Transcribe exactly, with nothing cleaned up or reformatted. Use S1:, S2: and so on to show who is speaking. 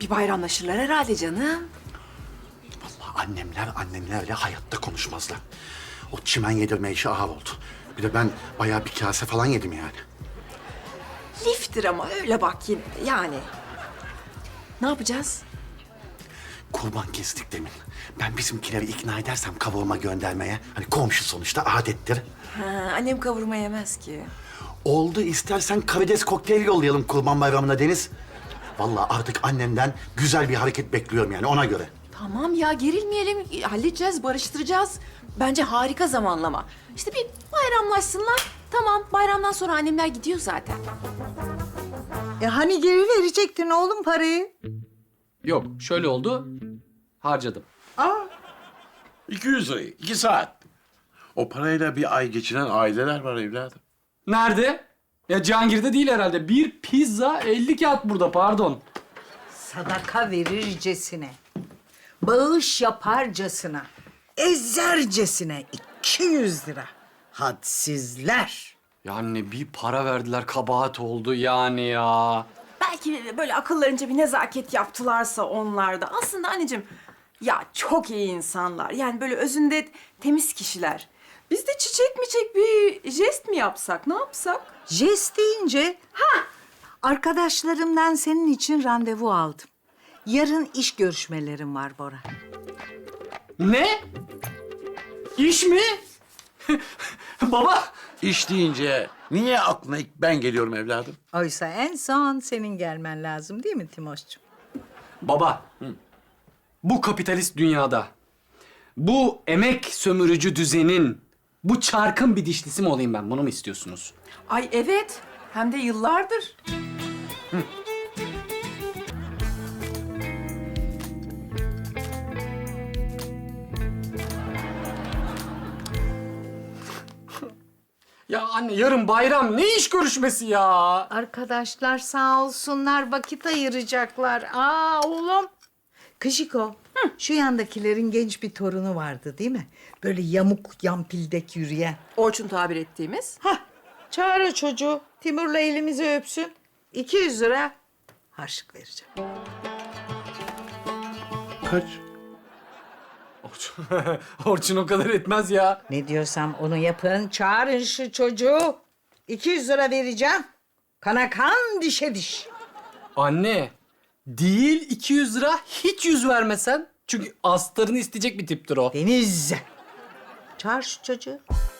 S1: Bir bayramlaşırlar herhalde canım.
S2: Vallahi annemler annemlerle hayatta konuşmazlar. O çimen yedirme işi ağır oldu. Bir de ben bayağı bir kase falan yedim yani.
S1: Liftir ama öyle bak yine de yani. Ne yapacağız?
S2: Kurban kestik demin. Ben bizimkileri ikna edersem kavurma göndermeye. Hani komşu sonuçta adettir.
S1: Ha, annem kavurma yemez ki.
S2: Oldu, istersen karides kokteyl yollayalım Kurban Bayramı'na Deniz. Vallahi artık annemden güzel bir hareket bekliyorum yani ona göre.
S1: Tamam ya gerilmeyelim. Halledeceğiz, barıştıracağız. Bence harika zamanlama. İşte bir bayramlaşsınlar. Tamam bayramdan sonra annemler gidiyor zaten.
S3: E hani geri verecektin oğlum parayı?
S4: Yok, şöyle oldu. Harcadım.
S3: Aa,
S5: iki yüz lirayı, iki saat. O parayla bir ay geçinen aileler var evladım.
S4: Nerede? Ya Cihangir'de değil herhalde. Bir pizza elli kağıt burada, pardon.
S3: sadaka verircesine, bağış yaparcasına, ezercesine iki yüz lira. Hadsizler.
S4: Ya anne bir para verdiler, kabahat oldu yani ya.
S1: Belki böyle akıllarınca bir nezaket yaptılarsa onlar da. Aslında anneciğim ya çok iyi insanlar. Yani böyle özünde temiz kişiler. Biz de çiçek miçek bir jest mi yapsak? Ne yapsak?
S3: Jest deyince, ha, arkadaşlarımdan senin için randevu aldım. Yarın iş görüşmelerim var Bora.
S4: Ne? İş mi? Baba.
S5: İş deyince niye aklına ilk ben geliyorum evladım?
S3: Oysa en son senin gelmen lazım değil mi Timoş'cum?
S4: Baba. Bu kapitalist dünyada, bu emek sömürücü düzenin, bu çarkın bir dişlisi mi olayım ben? Bunu mu istiyorsunuz?
S1: Ay evet. Hem de yıllardır.
S4: Ya anne yarın bayram, ne iş görüşmesi ya?
S3: Arkadaşlar sağ olsunlar vakit ayıracaklar. Aa oğlum. Kışiko, şu yandakilerin genç bir torunu vardı değil mi? Böyle yamuk yampildek yürüyen.
S1: Orçun tabir ettiğimiz.
S3: Hah, çağır o çocuğu. Timur'la elimizi öpsün. iki yüz lira harçlık vereceğim.
S5: Kaç?
S4: Orçun, Orçun o kadar etmez ya.
S3: Ne diyorsam onu yapın. Çağırın şu çocuğu. iki yüz lira vereceğim. Kana kan, dişe diş.
S4: Anne, değil iki yüz lira, hiç yüz vermesen. Çünkü astarını isteyecek bir tiptir o.
S3: Deniz. Çağır şu çocuğu.